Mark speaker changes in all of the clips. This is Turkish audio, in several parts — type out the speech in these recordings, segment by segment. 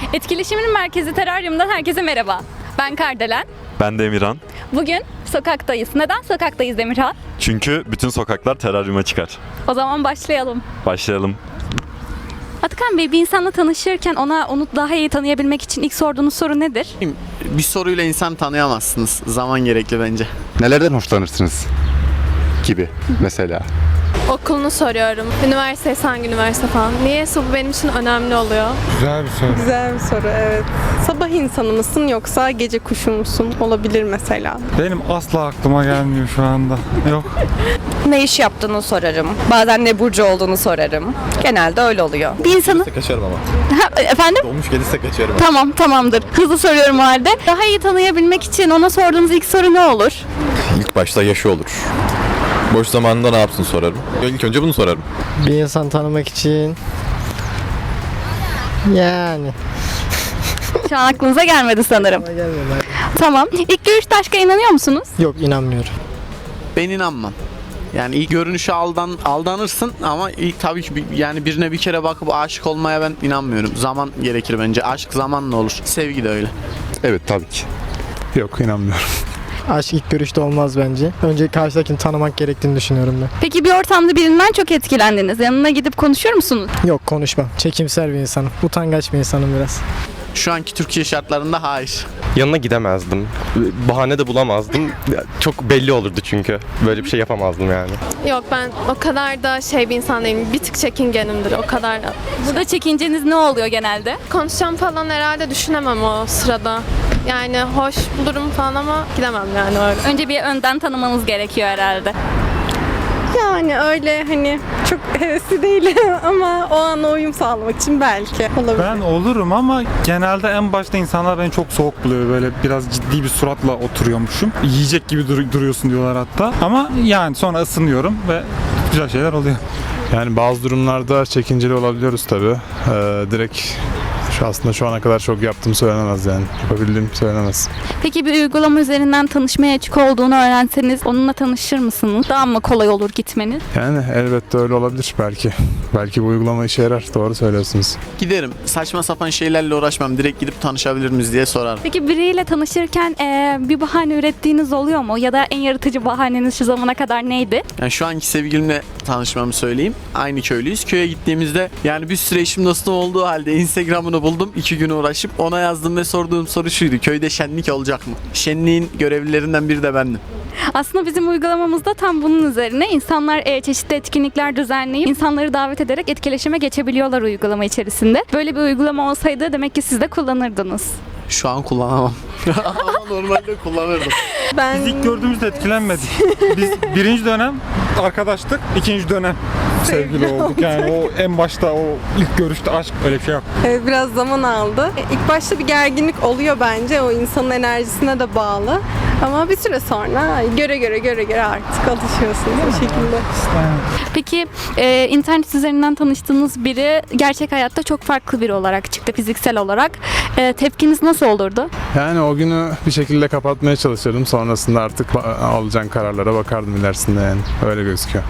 Speaker 1: Etkileşimin merkezi Teraryum'dan herkese merhaba. Ben Kardelen.
Speaker 2: Ben de Emirhan.
Speaker 1: Bugün sokaktayız. Neden sokaktayız Emirhan?
Speaker 2: Çünkü bütün sokaklar teraryuma çıkar.
Speaker 1: O zaman başlayalım.
Speaker 2: Başlayalım.
Speaker 1: Atakan Bey, bir insanla tanışırken onu daha iyi tanıyabilmek için ilk sorduğunuz soru nedir?
Speaker 3: Bir soruyla insan tanıyamazsınız. Zaman gerekli bence.
Speaker 4: Nelerden hoşlanırsınız gibi mesela.
Speaker 5: Okulunu soruyorum. Üniversitesi hangi üniversite falan. Niyeyse bu benim için önemli oluyor.
Speaker 6: Güzel bir soru.
Speaker 7: Güzel bir soru, evet. Sabah insanı mısın yoksa gece kuşu musun? Olabilir mesela.
Speaker 6: Benim asla aklıma gelmiyor şu anda. Yok.
Speaker 8: Ne iş yaptığını sorarım. Bazen ne burcu olduğunu sorarım. Genelde öyle oluyor.
Speaker 1: Bir insanı...
Speaker 9: Kaçarım ama.
Speaker 1: Efendim?
Speaker 9: Dolmuş gelirse kaçarım.
Speaker 1: Tamam, tamamdır. Hızlı soruyorum o halde. Daha iyi tanıyabilmek için ona sorduğunuz ilk soru ne olur?
Speaker 9: İlk başta yaşı olur. Boş zamanında ne yapsın sorarım. İlk önce bunu sorarım.
Speaker 10: Bir insan tanımak için yani
Speaker 1: Şu an aklınıza gelmedi sanırım.
Speaker 10: gelmiyor.
Speaker 1: Tamam. İlk görüşte aşka inanıyor musunuz?
Speaker 10: Yok, inanmıyorum.
Speaker 3: Ben inanmam. Yani ilk görünüşe aldanırsın ama ilk tabii ki yani birine bir kere bakıp aşık olmaya ben inanmıyorum. Zaman gerekir bence. Aşk zamanla olur. Sevgi de öyle.
Speaker 4: Evet, tabii ki. Yok, inanmıyorum.
Speaker 10: Aşk ilk görüşte olmaz bence. Önce karşıdakini tanımak gerektiğini düşünüyorum ben.
Speaker 1: Peki bir ortamda birinden çok etkilendiniz. Yanına gidip konuşuyor musunuz?
Speaker 10: Yok, konuşmam. Çekimser bir insanım. Utangaç bir insanım biraz.
Speaker 3: Şu anki Türkiye şartlarında hayır.
Speaker 11: Yanına gidemezdim. Bahane de bulamazdım. Çok belli olurdu çünkü. Böyle bir şey yapamazdım yani.
Speaker 5: Yok, ben o kadar da bir insan değilim. Bir tık çekingenimdir o kadar da.
Speaker 1: Burada çekinceniz ne oluyor genelde?
Speaker 5: Konuşacağım falan herhalde düşünemem o sırada. Yani hoş bulurum falan ama gidemem yani öyle.
Speaker 1: Önce bir önden tanımanız gerekiyor herhalde.
Speaker 7: Yani öyle hani çok hevesli değilim ama o an uyum sağlamak için belki olabilir.
Speaker 6: Ben olurum ama genelde en başta insanlar beni çok soğuk buluyor. Böyle biraz ciddi bir suratla oturuyormuşum. Yiyecek gibi duruyorsun diyorlar hatta. Ama yani sonra ısınıyorum ve güzel şeyler oluyor.
Speaker 12: Yani bazı durumlarda çekinceli olabiliyoruz tabii. Direkt aslında şu ana kadar çok yaptığım söylenemez yani. Yapabildiğim söylenemez.
Speaker 1: Peki bir uygulama üzerinden tanışmaya açık olduğunu öğrenseniz onunla tanışır mısınız? Daha mı kolay olur gitmeniz?
Speaker 12: Yani elbette öyle olabilir belki. Belki bu uygulama işe yarar. Doğru söylüyorsunuz.
Speaker 3: Giderim. Saçma sapan şeylerle uğraşmam. Direkt gidip tanışabilir miyiz diye sorarım.
Speaker 1: Peki biriyle tanışırken bir bahane ürettiğiniz oluyor mu? Ya da en yaratıcı bahaneniz şu zamana kadar neydi?
Speaker 3: Yani şu anki sevgilimle tanışmamı söyleyeyim. Aynı köylüyüz. Köye gittiğimizde yani bir süre eşim dostum olduğu halde Instagram'ını buldum. 2 gün uğraşıp ona yazdım ve sorduğum soru şuydu. Köyde şenlik olacak mı? Şenliğin görevlilerinden biri de bendim.
Speaker 1: Aslında bizim uygulamamızda tam bunun üzerine insanlar çeşitli etkinlikler düzenleyip insanları davet ederek etkileşime geçebiliyorlar uygulama içerisinde. Böyle bir uygulama olsaydı demek ki siz de kullanırdınız.
Speaker 3: Şu an kullanamam. Ama normalde kullanırdım.
Speaker 7: Ben
Speaker 6: Biz ilk gördüğümüzde etkilenmedik. Biz birinci dönem arkadaştık, ikinci dönem sevgili olduk. Yani o en başta o ilk görüşte aşk öyle bir şey yok.
Speaker 7: biraz zaman aldı. İlk başta bir gerginlik oluyor bence. O insanın enerjisine de bağlı. Ama bir süre sonra göre artık alışıyorsunuz bu şekilde.
Speaker 1: Peki internet üzerinden tanıştığınız biri gerçek hayatta çok farklı biri olarak çıktı fiziksel olarak. Tepkiniz nasıl olurdu?
Speaker 12: Yani o günü bir şekilde kapatmaya çalışırdım. Sonrasında artık alacağın kararlara bakardım ilerisinde yani. Öyle gözüküyor.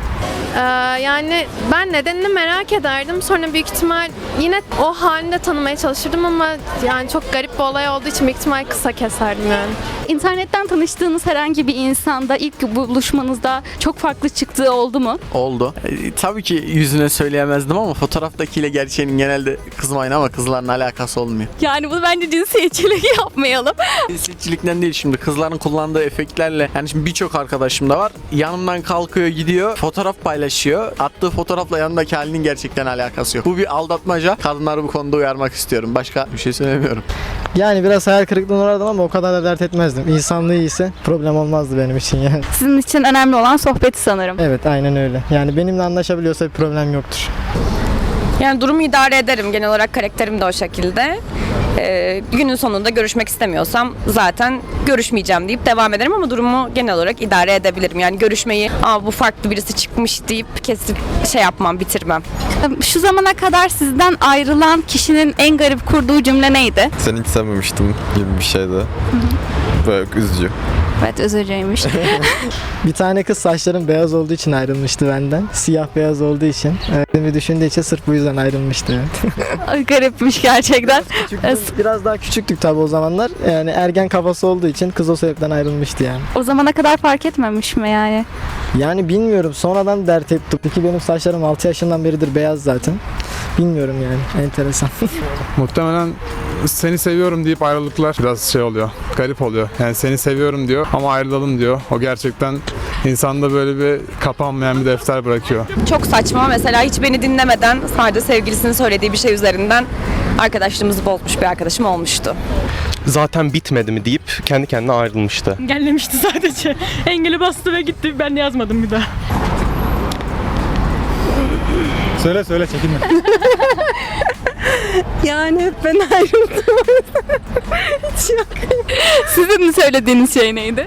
Speaker 5: Yani ben nedenini merak ederdim. Sonra büyük ihtimal yine o halinde tanımaya çalışırdım ama yani çok garip bir olay olduğu için büyük ihtimal kısa keserdim yani.
Speaker 1: İnternetten tanıştığınız herhangi bir insanda ilk buluşmanızda çok farklı çıktığı oldu mu?
Speaker 3: Oldu. Tabii ki yüzüne söyleyemezdim ama fotoğraftakiyle gerçeğinin genelde kızmayın ama kızların alakası olmuyor.
Speaker 1: Yani bunu bence cinsiyetçilik yapmayalım.
Speaker 3: Cinsiyetçilikten değil, şimdi kızların kullandığı efektlerle, yani şimdi birçok arkadaşım da var. Yanımdan kalkıyor gidiyor, fotoğraf paylaşıyor. Attığı fotoğrafla yanındaki halinin gerçekten alakası yok. Bu bir aldatmaca. Kadınları bu konuda uyarmak istiyorum. Başka bir şey söylemiyorum.
Speaker 10: Yani biraz hayal kırıklığına uğradım ama o kadar da dert etmezdim. İnsanlığı iyiyse problem olmazdı benim için yani.
Speaker 1: Sizin için önemli olan sohbeti sanırım.
Speaker 10: Evet, aynen öyle. Yani benimle anlaşabiliyorsa bir problem yoktur.
Speaker 8: Yani durumu idare ederim. Genel olarak karakterim de o şekilde. Günün sonunda görüşmek istemiyorsam zaten görüşmeyeceğim deyip devam ederim ama durumu genel olarak idare edebilirim. Yani görüşmeyi bu farklı birisi çıkmış deyip kesip yapmam, bitirmem.
Speaker 1: Şu zamana kadar sizden ayrılan kişinin en garip kurduğu cümle neydi?
Speaker 9: Seni hiç sevmemiştim gibi bir şeydi. Böyle üzücü.
Speaker 1: Evet, üzücüymüş.
Speaker 10: Bir tane kız saçlarım beyaz olduğu için ayrılmıştı benden. Siyah beyaz olduğu için. Bir düşündüğü için sırf bu yüzden ayrılmıştı. Evet.
Speaker 1: Garipmiş gerçekten.
Speaker 10: Biraz daha küçüktük tabii o zamanlar. Yani ergen kafası olduğu için kız o sebepten ayrılmıştı yani.
Speaker 1: O zamana kadar fark etmemiş mi yani?
Speaker 10: Yani bilmiyorum, sonradan dert ettim. Peki benim saçlarım 6 yaşından beridir beyaz zaten. Bilmiyorum yani, enteresan.
Speaker 12: Muhtemelen seni seviyorum deyip ayrılıklar biraz şey oluyor. Garip oluyor. Yani seni seviyorum diyor ama ayrılalım diyor. O gerçekten insanda böyle bir kapanmayan bir defter bırakıyor.
Speaker 8: Çok saçma. Mesela hiç beni dinlemeden sadece sevgilisinin söylediği bir şey üzerinden arkadaşlığımızı bozmuş bir arkadaşım olmuştu.
Speaker 11: Zaten bitmedi mi deyip kendi kendine ayrılmıştı.
Speaker 13: Engellemişti sadece. Engeli bastı ve gitti. Ben yazmadım bir daha.
Speaker 6: Söyle çekinme.
Speaker 7: Yani hep ben ayrıldım. Hiç yok.
Speaker 1: Sizin mi söylediğiniz şey neydi?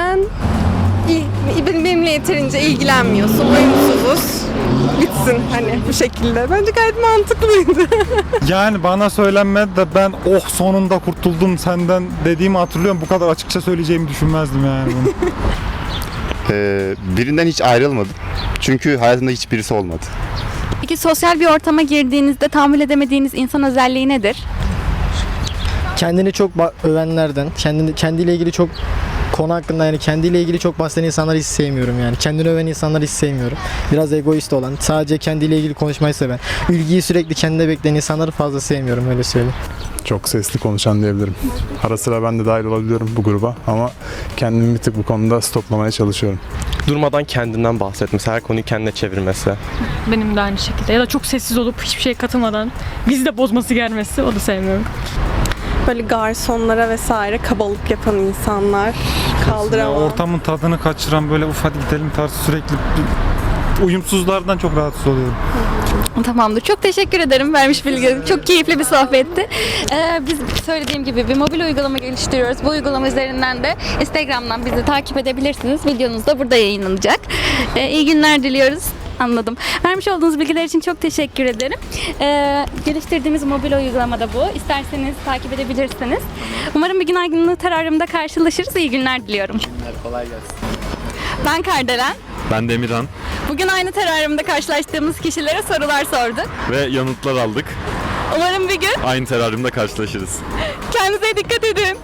Speaker 7: Benimle yeterince ilgilenmiyorsun, uyumsuzuz. Bitsin hani bu şekilde. Bence gayet mantıklıydı.
Speaker 6: Yani bana söylenmedi de ben oh sonunda kurtuldum senden dediğimi hatırlıyorum. Bu kadar açıkça söyleyeceğimi düşünmezdim yani bunu.
Speaker 4: Birinden hiç ayrılmadım. Çünkü hayatımda hiçbirisi olmadı.
Speaker 1: Peki sosyal bir ortama girdiğinizde tahammül edemediğiniz insan özelliği nedir?
Speaker 10: Kendini çok övenlerden, kendiyle ilgili çok konu hakkında, yani kendiyle ilgili çok bahseden insanları hiç sevmiyorum yani. Kendini öven insanları hiç sevmiyorum. Biraz egoist olan, sadece kendiyle ilgili konuşmayı seven, ilgiyi sürekli kendine bekleyen insanları fazla sevmiyorum, öyle söyleyeyim.
Speaker 12: Çok sesli konuşan diyebilirim. Ara sıra ben de dahil olabiliyorum bu gruba ama kendimi bir tık bu konuda stoplamaya çalışıyorum.
Speaker 11: Durmadan kendinden bahsetmesi, her konuyu kendine çevirmesi.
Speaker 13: Benim de aynı şekilde. Ya da çok sessiz olup hiçbir şeye katılmadan bizi de bozması gelmesi. O da sevmiyorum.
Speaker 7: Böyle garsonlara vesaire kabalık yapan insanlar kaldıramam.
Speaker 6: Ortamın tadını kaçıran böyle hadi gidelim tarzı sürekli uyumsuzlardan çok rahatsız oluyorum.
Speaker 1: Tamamdır. Çok teşekkür ederim vermiş bilgi. Çok keyifli bir sohbetti. Biz söylediğim gibi bir mobil uygulama geliştiriyoruz. Bu uygulama üzerinden de Instagram'dan bizi takip edebilirsiniz. Videonuz da burada yayınlanacak. İyi günler diliyoruz. Anladım. Vermiş olduğunuz bilgiler için çok teşekkür ederim. Geliştirdiğimiz mobil uygulama da bu. İsterseniz takip edebilirsiniz. Umarım bir gün aydınlığı teraryumda karşılaşırız. İyi günler diliyorum.
Speaker 3: Kolay gelsin.
Speaker 1: Ben Kardelen.
Speaker 2: Ben Demirhan
Speaker 1: Bugün aynı teraryumda karşılaştığımız kişilere sorular sorduk.
Speaker 2: ve yanıtlar aldık.
Speaker 1: Umarım bir gün
Speaker 2: Aynı teraryumda karşılaşırız.
Speaker 1: kendinize dikkat edin.